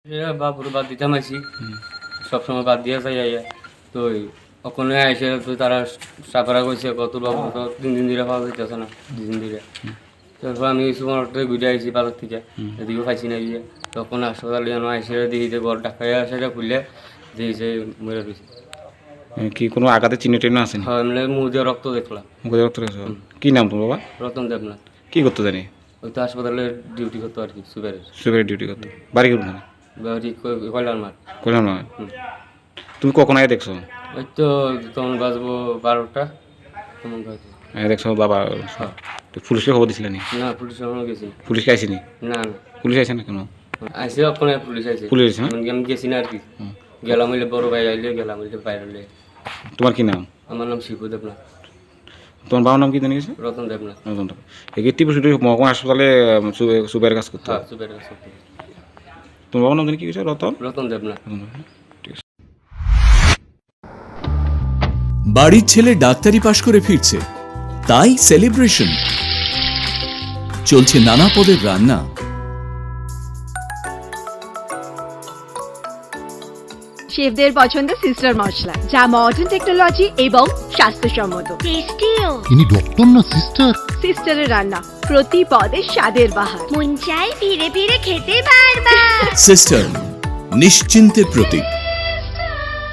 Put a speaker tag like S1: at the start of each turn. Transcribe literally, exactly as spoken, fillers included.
S1: বাপুর বাদ দিতাম আছি সবসময় বাদ দিয়ে যাই আইয়া তো ওখানে এসে তো তারা সাফারা করছে কত বাবু তো তিন দিন ধরে পাওয়া যাইতেছে না দুই দিন ধরে তারপর আমি সুপারমার্কেটে ঘুরে আইছি বাজার থেকে এদিকেও পাইছি না গিয়ে তখন হাসপাতালে যেন এসে দিয়েছে বড় ডাক্তার সেটা খুললে দিয়েছে মরে রয়েছে।
S2: কি কোনো আঘাতে চিহ্ন টিহ্ন আছে?
S1: হ্যাঁ এমনি মুখ দিয়ে রক্ত দেখলাম।
S2: মুখে রক্ত রয়েছে। কি নাম তোমার বাবা?
S1: রতন দেবনাথ।
S2: কি করতে জানি?
S1: ওই তো হাসপাতালে ডিউটি করতো আর কি সুপারের।
S2: সুপারের ডিউটি করতো। বাড়ি কোনখানে?
S1: বাড়ি কল্যাণ মাঠ।
S2: কল্যাণ মাঠ। তুমি কখন আগে দেখছো?
S1: ওই তো তখন বাজবো বারোটা তেমন বাজবো।
S2: আগে দেখছো বাবা? পুলিশকে খবর দিছিলে নি?
S1: না পুলিশ এখনো গেছি।
S2: পুলিশকে আইসিনি?
S1: না না
S2: পুলিশ আইসে না কেন?
S1: আইসে ওখানে পুলিশ আইসে।
S2: পুলিশ আইসে না?
S1: আমি গেছি না আর কি। গেলাম হইলে বড় ভাই আইলে গেলাম হইলে বাইরে হইলে।
S2: তোমার কি নাম?
S1: আমার নাম শিবু দেবনাথ।
S2: তোমার বাবার নাম কি জানি গেছে?
S1: রতন দেবনাথ।
S2: রতন দেবনাথ। এই টিপু সুটি মহকুমা হাসপাতালে সুপারের কাজ করতো?
S1: হ্যাঁ সুপারের কাজ করতো।
S2: তোমার বাবার নাম জানি কি গেছে? রতন?
S1: রতন দেবনাথ।
S3: বাড়ির ছেলে ডাক্তারি পাশ করে ফিরছে, তাই সেলিব্রেশন চলছে। নানা পদের রান্না,
S4: শেফদের পছন্দ সিস্টার মশলা, যা মডার্ন টেকনোলজি এবং স্বাস্থ্যসম্মত। টেস্টিও।
S5: ইনি ডক্টর না সিস্টার?
S4: সিস্টারের রান্না প্রতি পদে স্বাদের বাহার।
S6: মন চাই ফিরে ফিরে খেতে বারবার।
S3: সিস্টার নিশ্চিন্তের প্রতীক।